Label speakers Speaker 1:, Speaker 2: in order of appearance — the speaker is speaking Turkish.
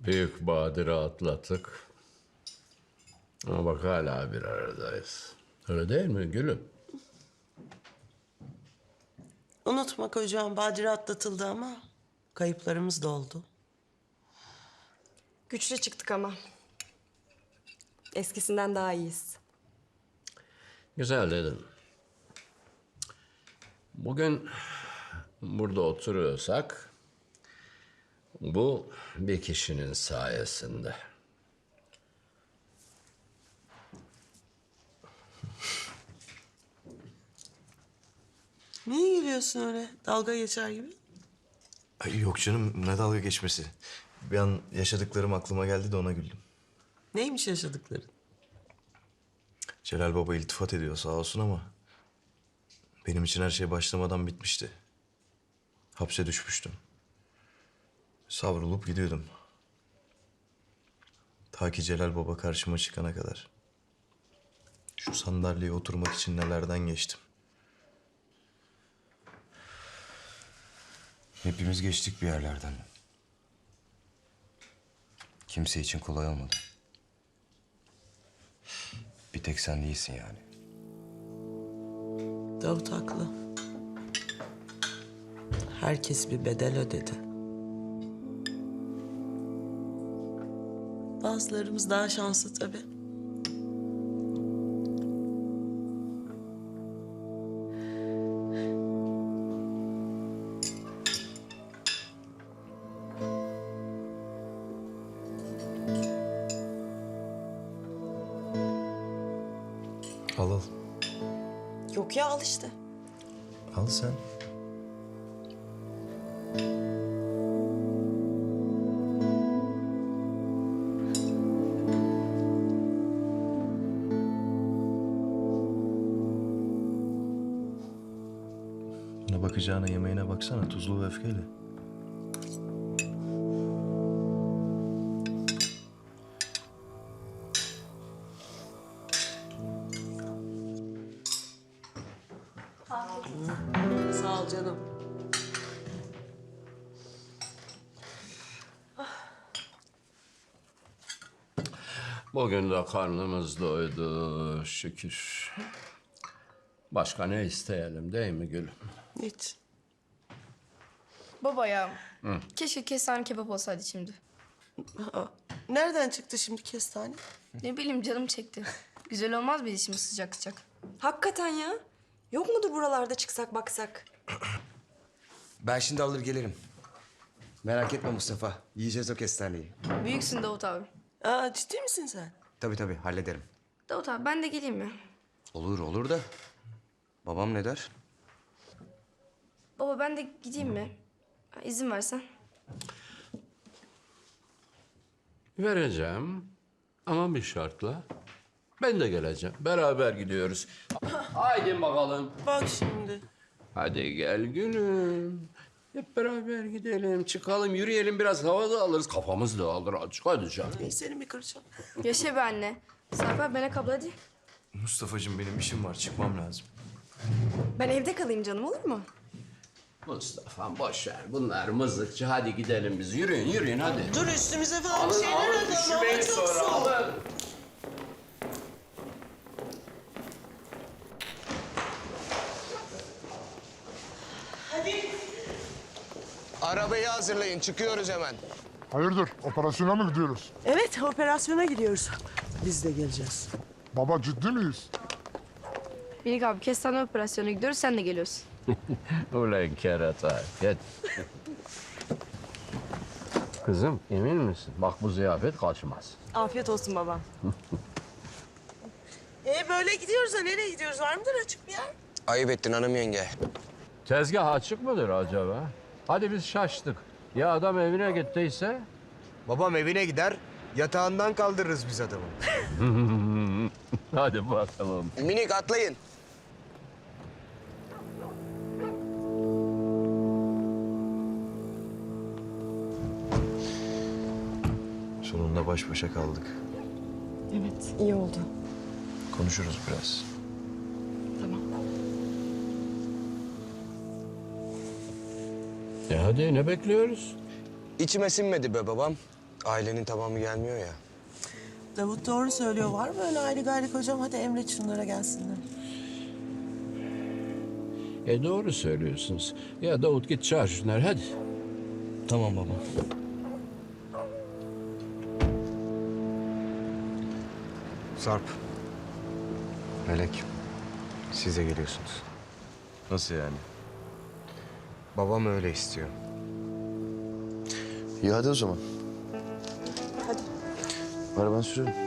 Speaker 1: Büyük badire atlattık. Ama bak hala bir aradayız. Öyle değil mi gülüm?
Speaker 2: Unutma kocam, badire atlatıldı ama kayıplarımız da oldu.
Speaker 3: Güçlü çıktık ama. Eskisinden daha iyiyiz.
Speaker 1: Güzel dedin. Bugün burada oturuyorsak bu bir kişinin sayesinde.
Speaker 2: Niye gülüyorsun öyle dalga geçer gibi?
Speaker 4: Ay yok canım, ne dalga geçmesi. Bir an yaşadıklarım aklıma geldi de ona güldüm.
Speaker 2: Neymiş yaşadıkların?
Speaker 4: Celal Baba iltifat ediyor sağ olsun ama... benim için her şey başlamadan bitmişti. Hapse düşmüştüm. Savrulup gidiyordum. Ta ki Celal Baba karşıma çıkana kadar. Şu sandalyeye oturmak için nelerden geçtim.
Speaker 5: Hepimiz geçtik bir yerlerden. Kimse için kolay olmadı. Bir tek sen değilsin yani.
Speaker 2: Davut haklı. Herkes bir bedel ödedi. Bazılarımız daha şanslı tabii.
Speaker 4: Al al.
Speaker 3: Yok ya, al işte.
Speaker 4: Al sen. Buna bakacağına yemeğine baksana, tuzlu ve öfkeyle.
Speaker 2: Sağ ol canım.
Speaker 1: Bugün de karnımız doydu şükür. Başka ne isteyelim değil mi gülüm?
Speaker 2: Hiç.
Speaker 6: Baba ya, keşke kestane kebap olsaydı şimdi.
Speaker 2: Aa, nereden çıktı şimdi kestane?
Speaker 6: Ne bileyim canım çekti. Güzel olmaz mıydı şimdi sıcak sıcak?
Speaker 3: Hakikaten ya. Yok mudur buralarda çıksak baksak?
Speaker 5: Ben şimdi alır gelirim. Merak etme Mustafa. Yiyeceğiz o kestaneyi.
Speaker 6: Büyüksün Davut abi.
Speaker 2: Aa, ciddi misin sen?
Speaker 5: Tabii hallederim.
Speaker 6: Davut abi ben de geleyim mi?
Speaker 5: Olur da. Babam ne der?
Speaker 6: Baba ben de gideyim mi? Ha, İzin versen.
Speaker 1: Vereceğim ama bir şartla. Ben de geleceğim. Beraber gidiyoruz. Haydi bakalım.
Speaker 2: Bak şimdi.
Speaker 1: Hadi gel gülüm. Hep beraber gidelim, çıkalım, yürüyelim, biraz hava da alırız. Kafamız da alır azıcık. Hadi canım.
Speaker 2: Ey, seni mi kıracağım?
Speaker 6: Yaşa be anne. Sarp abi Melek abla hadi.
Speaker 4: Mustafa'cığım benim işim var, çıkmam lazım.
Speaker 3: Ben evde kalayım canım, olur mu?
Speaker 1: Mustafa'm boş ver. Bunlar mızıkçı. Hadi gidelim biz. Yürüyün hadi.
Speaker 2: Dur üstümüze falan bir
Speaker 1: Alın,
Speaker 2: şeyler
Speaker 1: alın.
Speaker 2: alalım.
Speaker 1: Üşümeyin
Speaker 2: Hava çok
Speaker 1: sonra.
Speaker 2: soğuk.
Speaker 1: Alın.
Speaker 7: Arabayı hazırlayın, çıkıyoruz hemen.
Speaker 8: Hayırdır, operasyona mı gidiyoruz?
Speaker 2: Evet, operasyona gidiyoruz. Biz de geleceğiz.
Speaker 8: Baba ciddi miyiz?
Speaker 6: Melek abi kestane operasyonu gidiyoruz sen de geliyorsun.
Speaker 1: Ulan kerata. Gel. Kızım emin misin? Bak bu ziyafet kaçmaz.
Speaker 3: Afiyet olsun baba.
Speaker 2: Böyle gidiyoruz da nereye gidiyoruz? Var mıdır açık bir yer?
Speaker 7: Ayıp ettin hanım yenge.
Speaker 1: Tezgah açık mıdır acaba? Hadi biz şaştık. Ya adam evine gittiyse?
Speaker 7: Babam evine gider, yatağından kaldırırız biz adamı.
Speaker 1: Hadi bakalım.
Speaker 7: Minik atlayın.
Speaker 4: Sonunda baş başa kaldık.
Speaker 3: Evet, iyi oldu.
Speaker 4: Konuşuruz biraz.
Speaker 3: Tamam.
Speaker 1: Hadi ne bekliyoruz?
Speaker 7: İçime sinmedi be babam.
Speaker 5: ailenin tamamı gelmiyor ya.
Speaker 2: Davut doğru söylüyor. Var mı öyle ayrı gayrı kocam? Hadi emret şunlara gelsinler.
Speaker 1: Doğru söylüyorsunuz. Ya Davut git çağır şunları hadi.
Speaker 4: Tamam baba.
Speaker 7: Sarp. Melek. Siz de geliyorsunuz.
Speaker 4: Nasıl yani?
Speaker 7: Babam öyle istiyor.
Speaker 4: İyi hadi o zaman.
Speaker 2: Hadi.
Speaker 4: Arabanı sürüyorum.